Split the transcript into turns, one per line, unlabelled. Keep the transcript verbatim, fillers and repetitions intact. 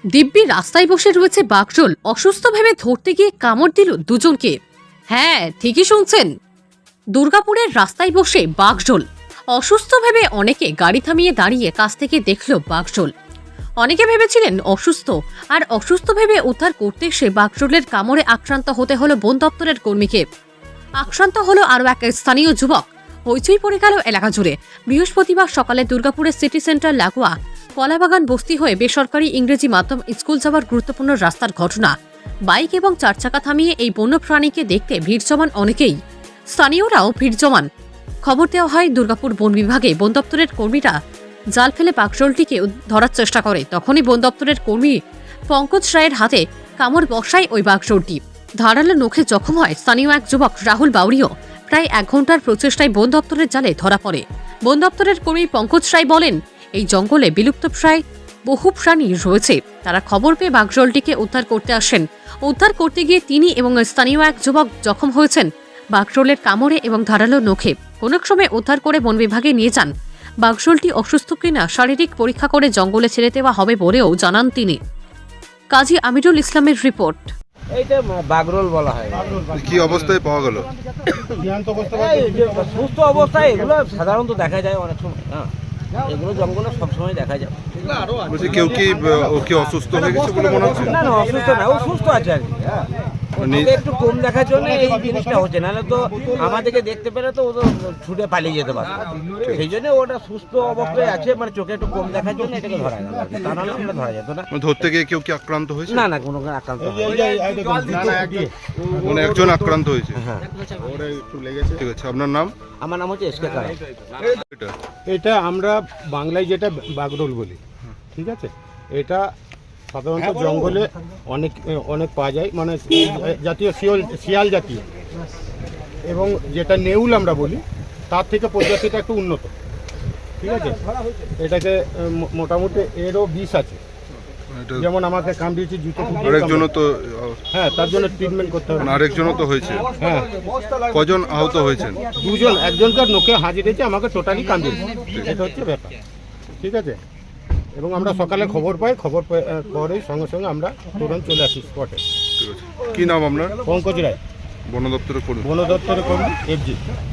দিব্যি রাস্তায় বসে রয়েছে বাঘজোল, অসুস্থ ভেবে ধরতে গিয়ে কামড় দিল দুজনকে। হ্যাঁ, ঠিকই শুনছেন, দুর্গাপুরের রাস্তায় বসে বাঘজোল। অসুস্থ ভেবে অনেকে গাড়ি থামিয়ে দাঁড়িয়ে কাছ থেকে দেখল বাঘজোল। অনেকে ভেবেছিলেন অসুস্থ, আর অসুস্থ ভেবে উদ্ধার করতে এসে বাঘজোলের কামড়ে আক্রান্ত হতে হলো বন দপ্তরের কর্মীকে। আক্রান্ত হলো আরও এক স্থানীয় যুবক। হইচই পড়ে গেল এলাকা জুড়ে। বৃহস্পতিবার সকালে দুর্গাপুরের সিটি সেন্টার লাগোয়া কলাবাগান বস্তি হয়ে বেসরকারি ইংরেজি মাধ্যম স্কুল যাওয়ার গুরুত্বপূর্ণ রাস্তার ঘটনা। বাইক এবং চারচাকা থামিয়ে এই বন্যপ্রাণীকে দেখতে ভিড় জমান অনেকেই। স্থানীয়রাও ভিড় জমান। খবর দেওয়া হয় দুর্গাপুর বন বিভাগে। বন দপ্তরের কর্মীরা জাল ফেলে বাঘজোলটিকে ধরার চেষ্টা করে। তখনই বন দপ্তরের কর্মী পঙ্কজ রায়ের হাতে কামড় বসায় ওই বাঘজোলটি। ধারালো নখে জখম হয় স্থানীয় এক যুবক রাহুল বাউরিও। প্রায় এক ঘন্টার প্রচেষ্টায় বন দপ্তরের জালে ধরা পড়ে। বন দপ্তরের কর্মী পঙ্কজ রায় বলেন, এই জঙ্গলে বিলুপ্তপ্রায় বহু প্রাণী রয়েছে। তারা খবর পেয়ে বাঘজোলটিকে উদ্ধার করতে আসেন। উদ্ধার করতে গিয়ে তিনি এবং স্থানীয় এক যুবক জখম হয়েছেন বাঘজোলের কামড়ে এবং ধারালো নখে। কোনো সময় উদ্ধার করে বন বিভাগে নিয়ে যান। বাঘজোলটি অসুস্থ কিনা শারীরিক পরীক্ষা করে জঙ্গলে ছেড়ে দেওয়া হবে বলেও জানান তিনি। কাজী আমিরুল ইসলামের রিপোর্ট।
এইটা বাগরোল বলা হয়।
কি অবস্থায় পাওয়া গেল?
এই যে সুস্থ অবস্থায় এগুলো সাধারণত দেখা যায় অনেক সময়। হ্যাঁ, এগুলো জঙ্গলে সবসময় দেখা যায়।
বলছি কেউ কি ও কি অসুস্থ হয়ে গেছে বলে মনে হচ্ছে?
না না, অসুস্থ না, ও সুস্থ আছে আর কি। হ্যাঁ,
মানে-
ওকে একটু কম দেখার জন্য এই জিনিসটা হচ্ছে, নাহলে তো আমাদেরকে দেখতে পেলে তো ও তো ছুটে পালিয়ে যেতে পারে। সেই জন্য ওটা সুস্থ অবস্থায় আছে, মানে চোখে একটু কম দেখার জন্য এটাকে ধরা গেল আর কি। তা নাহলে আমরা ধরা যেত না।
মানে ধরতে গিয়ে কেউ কি আক্রান্ত হয়েছে?
না না, কোনো আক্রান্ত হয়নি।
মানে একজন আক্রান্ত হয়েছে।
হ্যাঁ,
ঠিক আছে, আপনার নাম?
আমার নাম হচ্ছে এসকে কারা।
এটা
এটা আমরা বাংলায় যেটা বাগরোল বলি, ঠিক আছে। এটা সাধারণত জঙ্গলে অনেক অনেক পাওয়া যায়, মানে জাতীয় শিয়াল শিয়াল জাতীয়, এবং যেটা নেউল আমরা বলি তার থেকে প্রজাতিটা একটু উন্নত, ঠিক আছে। এটাকে মো- মোটামুটি এরও বিষ আছে,
এটা-
যেমন আমাকে কামড়িয়েছে জুতো ফুটিয়ে
আরেকজনও তো
হ্যাঁ, তার জন্য ট্রিটমেন্ট করতে হবে।
মানে আরেকজনও তো হয়েছে।
হ্যাঁ,
কজন আহত হয়েছেন?
দুজন, একজনকার নোকে হাজির হয়েছে, আমাকে টোটালি কামড়িয়েছে, এটা হচ্ছে ব্যাপার, ঠিক আছে। এবং আমরা সকালে খবর পাই, খবর পে- আহ, পরে সঙ্গে সঙ্গে আমরা তুরন্ত চলে আসি স্পটে।
ঠিক আছে, কি নাম আপনার?
পঙ্কজ রায়,
বন দপ্তরের কর্মী।
বন দপ্তরের কর্মী, এফজি।